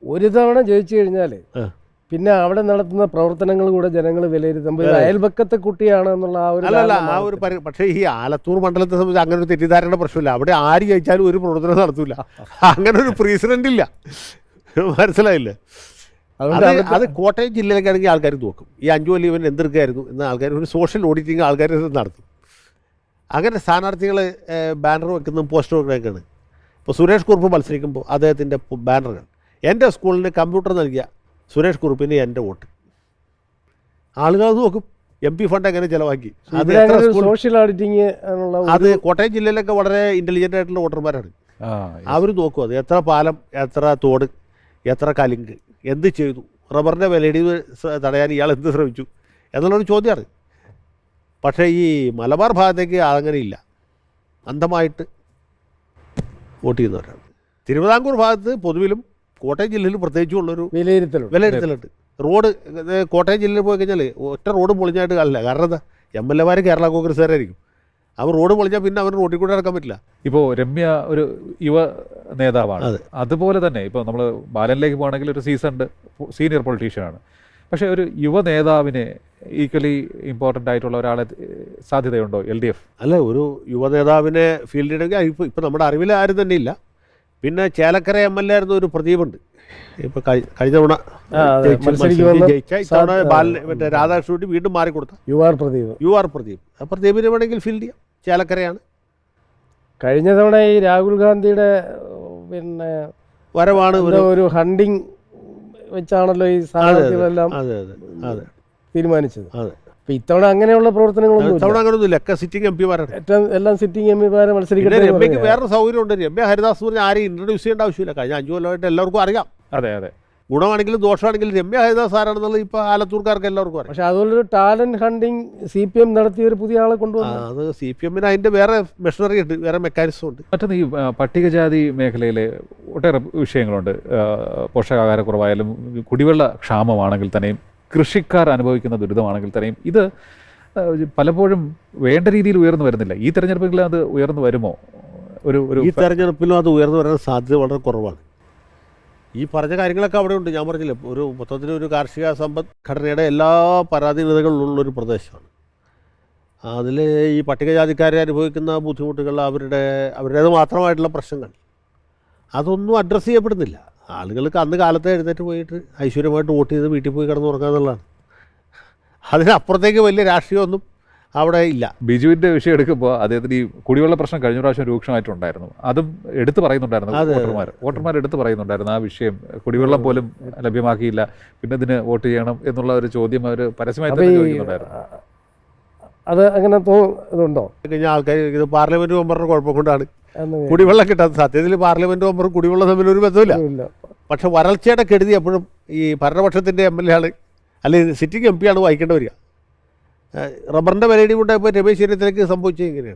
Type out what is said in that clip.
ഒരു തവണ ജയിച്ചു കഴിഞ്ഞാൽ പിന്നെ അവിടെ നടത്തുന്ന പ്രവർത്തനങ്ങൾ കൂടെ ജനങ്ങൾ വിലയിരുത്തുമ്പോൾ ഇത് അയൽപക്കത്തെ കുട്ടിയാണ് എന്നുള്ള ആ ഒരു അല്ലല്ല ആ ഒരു പക്ഷേ ഈ ആലത്തൂർ മണ്ഡലത്തെ സംബന്ധിച്ച് അങ്ങനെ ഒരു തെറ്റിദ്ധാരണ പ്രശ്നമില്ല. അവിടെ ആര് ജയിച്ചാലും ഒരു പ്രവർത്തനം നടത്തൂല. അങ്ങനെ ഒരു പ്രസിഡന്റ് ഇല്ല. മനസ്സിലായില്ലേ? അത് കോട്ടയം ജില്ലയിലേക്കാണെങ്കിൽ ആൾക്കാർ നോക്കും. ഈ 5 കൊല്ലം ഇവൻ എന്തെടുക്കായിരുന്നു എന്ന ആൾക്കാർ ഒരു സോഷ്യൽ ഓഡിറ്റിങ് ആൾക്കാർ നടത്തും. അങ്ങനെ സ്ഥാനാർത്ഥികൾ ബാനർ വെക്കുന്നതും പോസ്റ്റർ വെക്കുന്നതൊക്കെയാണ്. ഇപ്പോൾ സുരേഷ് കുറുപ്പ് മത്സരിക്കുമ്പോൾ അദ്ദേഹത്തിൻ്റെ ബാനറുകൾ എൻ്റെ സ്കൂളിന് കമ്പ്യൂട്ടർ നൽകിയ സുരേഷ് കുറുപ്പിന് എൻ്റെ വോട്ട്. ആളുകൾ അത് നോക്കും. MP ഫണ്ട് എങ്ങനെ ചിലവാക്കി. സോഷ്യൽ ഓഡിറ്റിങ് അത് കോട്ടയം ജില്ലയിലൊക്കെ വളരെ ഇൻ്റലിജൻ്റ് ആയിട്ടുള്ള വോട്ടർമാരാണ്. അവർ നോക്കും അത് എത്ര പാലം, എത്ര തോട്, എത്ര കലിങ്ക്, എന്ത് ചെയ്തു, റബ്ബറിൻ്റെ വിലയിടിവ് തടയാൻ ഇയാൾ എന്ത് ശ്രമിച്ചു എന്നുള്ളൊരു ചോദ്യമാണ്. പക്ഷേ ഈ മലബാർ ഭാഗത്തേക്ക് അങ്ങനെ ഇല്ല. അന്ധമായിട്ട് വോട്ട് ചെയ്യുന്നവരാണ്. തിരുവിതാംകൂർ ഭാഗത്ത് പൊതുവിലും കോട്ടയം ജില്ലയിൽ പ്രത്യേകിച്ചുള്ളൊരു വിലയിരുത്തലുണ്ട്. റോഡ് കോട്ടയം ജില്ലയിൽ പോയി കഴിഞ്ഞാൽ ഒറ്റ റോഡ് പൊളിഞ്ഞായിട്ട് കാണില്ല. കാരണം എന്താ, MLA കേരള കോൺഗ്രസ്സുകാരായിരിക്കും. അവർ റോഡ് പൊളിഞ്ഞാൽ പിന്നെ അവർ റോഡിൽ കൂടെ നടക്കാൻ പറ്റില്ല. ഇപ്പോൾ രമ്യ ഒരു യുവ നേതാവാണ്. അതുപോലെ തന്നെ ഇപ്പോൾ നമ്മൾ ബാലനിലേക്ക് പോകുകയാണെങ്കിൽ ഒരു സീനിയർ പൊളിറ്റീഷ്യനാണ്. പക്ഷേ ഒരു യുവ നേതാവിന് ഈക്വലി ഇമ്പോർട്ടൻ്റ് ആയിട്ടുള്ള ഒരാളെ സാധ്യതയുണ്ടോ LDF? അല്ല, ഒരു യുവ നേതാവിനെ ഫീൽഡ് ചെയ്യണമെങ്കിൽ ഇപ്പം നമ്മുടെ അറിവിൽ ആരും തന്നെ ഇല്ല. പിന്നെ ചേലക്കര MLA ആയിരുന്ന ഒരു പ്രദീപുണ്ട്. ഇപ്പോൾ കഴിഞ്ഞ തവണ ജയിച്ച ഇത്തവണ മറ്റേ രാധാകൃഷ്ണൻ വീണ്ടും മാറിക്കൊടുത്ത യു ആർ പ്രദീപ്. ആ പ്രദീപിനെ വേണമെങ്കിൽ ഫീൽഡ് ചെയ്യാം. ചേലക്കരയാണ്. കഴിഞ്ഞ തവണ ഈ രാഹുൽ ഗാന്ധിയുടെ പിന്നെ വരവാണ് ഒരു ഹണ്ടിങ് വെച്ചാണല്ലോ ഈ സ്ഥാനാർത്ഥികളെല്ലാം തീരുമാനിച്ചത്. അപ്പൊ ഇത്തവണ അങ്ങനെയുള്ള പ്രവർത്തനങ്ങളൊന്നും ഒക്കെ സിറ്റിംഗ് MP-മാരാണ്. എല്ലാം സിറ്റിംഗ് MP-മാരെ മത്സരിക്കട്ടെ. രമ്യക്ക് വേറൊരു സൗകര്യമുണ്ട്. രമ്യ ഹരിദാസ് പറഞ്ഞാൽ ആരെയും ഇൻട്രൊഡ്യൂസ് ചെയ്യേണ്ട ആവശ്യമില്ല. കഴിഞ്ഞ 5 കൊല്ലമായിട്ട് എല്ലാവർക്കും അറിയാം. അതെ. ഗുണമാണെങ്കിലും ദോഷമാണെങ്കിലും രമ്യ ഹരിദാസ് ആരാണെന്നുള്ളത് ഇപ്പോൾ ആലത്തൂർക്കാർക്ക് എല്ലാവർക്കും അറിയാം. പക്ഷെ അതുപോലൊരു ടാലന്റ് ഹണ്ടിങ് CPM നടത്തിയ ഒരു പുതിയ ആളെ കൊണ്ടുവന്നു. അത് CPM-ന് അതിൻ്റെ വേറെ മെഷീനറി ഉണ്ട്, വേറെ മെക്കാനിസം ഉണ്ട്. മറ്റൊന്ന് ഈ പട്ടികജാതി മേഖലയിലെ ഒട്ടേറെ വിഷയങ്ങളുണ്ട്. പോഷകാഹാരക്കുറവായാലും കുടിവെള്ള ക്ഷാമമാണെങ്കിൽ തന്നെയും കൃഷിക്കാർ അനുഭവിക്കുന്ന ദുരിതമാണെങ്കിൽ തന്നെയും ഇത് പലപ്പോഴും വേണ്ട രീതിയിൽ ഉയർന്നു വരുന്നില്ല. ഈ തെരഞ്ഞെടുപ്പിൽ അത് ഉയർന്നു വരുമോ? ഈ തെരഞ്ഞെടുപ്പിലും അത് ഉയർന്നു വരാൻ സാധ്യത വളരെ കുറവാണ്. ഈ പറഞ്ഞ കാര്യങ്ങളൊക്കെ അവിടെ ഉണ്ട്. ഞാൻ പറഞ്ഞില്ല, ഒരു മൊത്തത്തിലൊരു കാർഷിക സമ്പദ്ഘടനയുടെ എല്ലാ പരാധീനതകളുള്ളൊരു പ്രദേശമാണ്. അതിൽ ഈ പട്ടികജാതിക്കാരെ അനുഭവിക്കുന്ന ബുദ്ധിമുട്ടുകൾ, അവരുടേത് മാത്രമായിട്ടുള്ള പ്രശ്നങ്ങൾ അതൊന്നും അഡ്രസ്സ് ചെയ്യപ്പെടുന്നില്ല. ആളുകൾക്ക് അന്ന് കാലത്ത് എഴുന്നേറ്റ് പോയിട്ട് ഐശ്വര്യമായിട്ട് വോട്ട് ചെയ്ത് വീട്ടിൽ പോയി കിടന്നുറങ്ങുക എന്നുള്ളതാണ്. അതിനപ്പുറത്തേക്ക് വലിയ രാഷ്ട്രീയമൊന്നും അവിടെ ഇല്ല. ബിജുവിൻ്റെ വിഷയം എടുക്കുമ്പോൾ അദ്ദേഹത്തിന് ഈ കുടിവെള്ള പ്രശ്നം കഴിഞ്ഞ പ്രാവശ്യം രൂക്ഷമായിട്ടുണ്ടായിരുന്നു. അതും എടുത്തു പറയുന്നുണ്ടായിരുന്നു. വോട്ടർമാർ എടുത്തു പറയുന്നുണ്ടായിരുന്നു ആ വിഷയം. കുടിവെള്ളം പോലും ലഭ്യമാക്കിയില്ല, പിന്നെ ഇതിന് വോട്ട് ചെയ്യണം എന്നുള്ള ഒരു ചോദ്യം അവർ പരസ്യമായി തന്നെ ചോദിക്കുന്നുണ്ടായിരുന്നു. അത് അങ്ങനെ ഇതുണ്ടോ? കഴിഞ്ഞ ആൾക്കാർ ഇത് പാർലമെന്റ് മെമ്പറുടെ കുഴപ്പം കൊണ്ടാണ് കുടിവെള്ളം കിട്ടാത്ത. സത്യത്തിൽ പാർലമെന്റ് മെമ്പറും കുടിവെള്ളം തമ്മിൽ ഒരു ബന്ധമില്ല. പക്ഷെ വരൾച്ചയുടെ കെടുതി എപ്പോഴും ഈ ഭരണപക്ഷത്തിൻ്റെ MLA ആണ്, അല്ലെങ്കിൽ സിറ്റിംഗ് MP ആണ് വായിക്കേണ്ടി വരിക. റബ്ബറിൻ്റെ വിലയിടി കൊണ്ടായപ്പോൾ രമേശ് ചെന്നിത്തലയ്ക്ക് സംഭവിച്ചത് ഇങ്ങനെയാണ്.